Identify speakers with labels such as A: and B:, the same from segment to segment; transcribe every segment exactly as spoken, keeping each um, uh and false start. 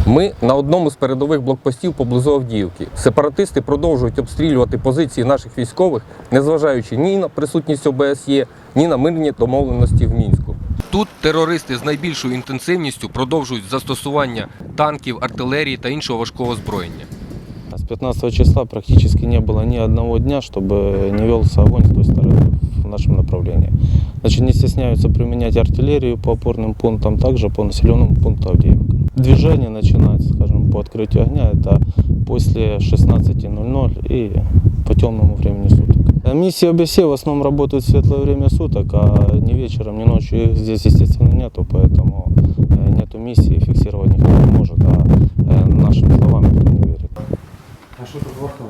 A: Ми на одному з передових блокпостів поблизу Авдіївки. Сепаратисти продовжують обстрілювати позиції наших військових, незважаючи ні на присутність О Б С Є, ні на мирні домовленості в Мінську. Тут терористи з найбільшою інтенсивністю продовжують застосування танків, артилерії та іншого важкого озброєння.
B: С пятнадцатого числа практически не было ни одного дня, чтобы не велся огонь с той стороны в нашем направлении. Значит, не стесняются применять артиллерию по опорным пунктам, также по населенному пункту Авдеевка. Движение начинается, скажем, по открытию огня, это после шестнадцати ноль-ноль и по темному времени суток. Миссии О Б С Е в основном работают в светлое время суток, а ни вечером, ни ночью их здесь, естественно, нету, поэтому нету миссии, фиксировать никто не может, а нашим словам никто не верит.
C: А що тут вахтово?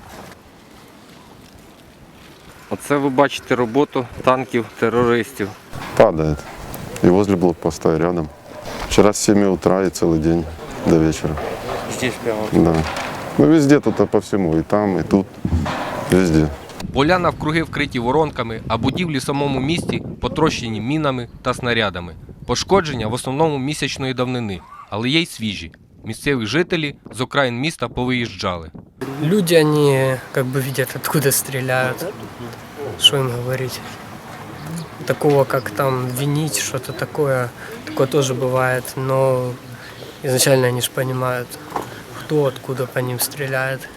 A: Оце ви бачите роботу танків терористів.
D: Падает. И возле блокпоста, и рядом. Вчера с семи утра и целый день до вечера.
C: Здесь прямо.
D: Да. Ну везде тут по всему, и там, и тут, везде.
A: Поля навкруги вкриті воронками, а будівлі в самому місті потрощені мінами та снарядами. Пошкодження в основному місячної давнини, але є й свіжі. Місцеві жителі з окраїн міста повиїжджали.
E: Люди, они как бы видят, откуда стреляют, что им говорить. Такого, как там винить, что-то такое, такое тоже бывает, но изначально они же понимают, кто откуда по ним стреляет.